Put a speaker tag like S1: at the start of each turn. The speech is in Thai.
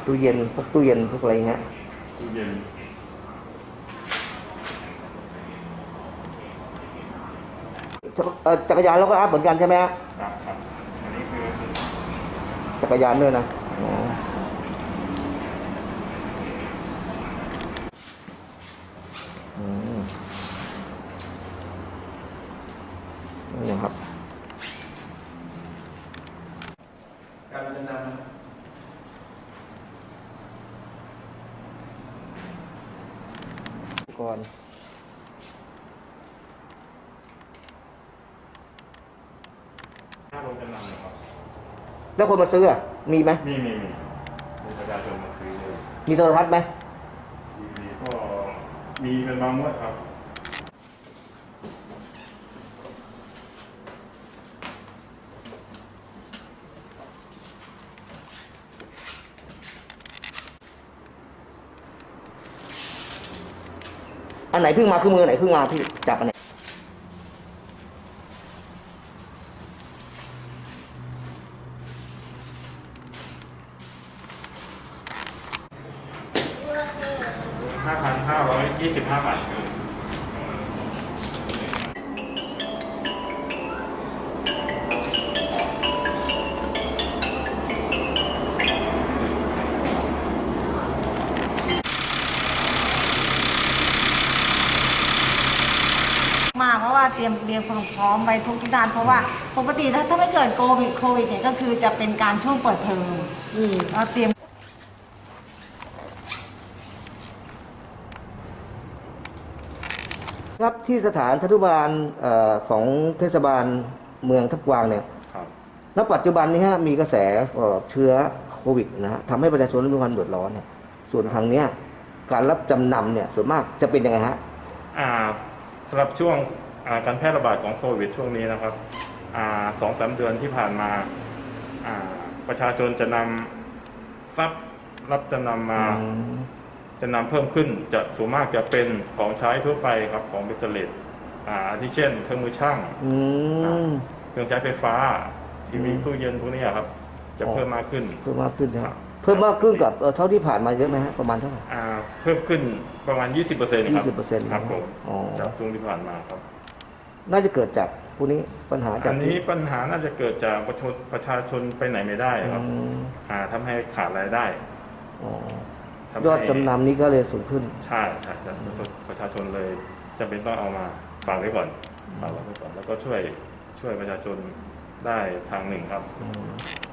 S1: ตู้เย็นพวกตู้เย็นพวกอะไรเงี้ย
S2: ตู้เย็น
S1: จักรยานเราก็อัพเหมือนกันใช่ไหมฮะ
S2: ครับอันนี้คือ
S1: จักรยานด้วยนะนี่ครับ
S2: การจำนำ
S1: ก่อน
S2: ค่าลงจำนำนะครับ
S1: แล้วคนมาซื้ออ่ะมีไหม
S2: มีประชาชนมาซื้อเลย
S1: มีโทรทัศน์ไหม
S2: มีก็มีเป็นบางงวดครับ
S1: อันไหนเพิ่งมาคือมือไหนเพิ่งมาพี่จับอันไหน
S2: 5,525 บาท
S3: มากเพราะว่าเตรียมความพร้อมไปทุกด้านเพราะว่าปกติถ้าไม่เกิดโควิดเนี่ยก็คือจะเป็นการช่วงเปิดเทอมเราเตรียม
S1: ครับที่สถานทัตุบาลของเทศบาลเมืองทับกวางเนี่ยณปัจจุบันนี้ฮะมีกระแสเชื้อโควิดนะฮะทำให้ประชาชนมีความเดือดร้อนเนี่ยส่วนทางเนี้ยการรับจำนำเนี่ยส่วนมากจะเป็นยังไงฮะ
S2: สำหรับช่วงการแพร่ระบาดของโควิดช่วงนี้นะครับ2-3 เดือนที่ผ่านมาประชาชนจะนำทรัพย์รับจำนำมาจะนำเพิ่มขึ้นจะส่วนมากจะเป็นของใช้ทั่วไปครับของเบตเตอร์เลสที่เช่นเครื่องมือช่างเครื่องใช้ไฟฟ้าทีวีตู้เย็นพวกนี้ครับจะเพิ่มมากขึ้น
S1: เพิ่มมากขึ้นครับเพิ่มมากขึ้นกับเท่าที่ผ่านมาเยอะไหมฮะประมาณเท่าไหร่
S2: เพิ่มขึ้นประมาณ 20%ครับ
S1: 20%
S2: ครับผมจากช่วงที่ผ่านมาครับ
S1: น่าจะเกิดจากพวกนี้ปัญหาจาก
S2: อันนี้ปัญหาน่าจะเกิดจากประชาชนไปไหนไม่ได้ครับทำให้ขาดรายได้
S1: ยอดจำนำนี้ก็เลยสูงขึ้น
S2: ใช่ประชาชนเลยจำเป็นต้องเอามาฝากไว้ก่อนแล้วก็ช่วยประชาชนได้ทางหนึ่งครับ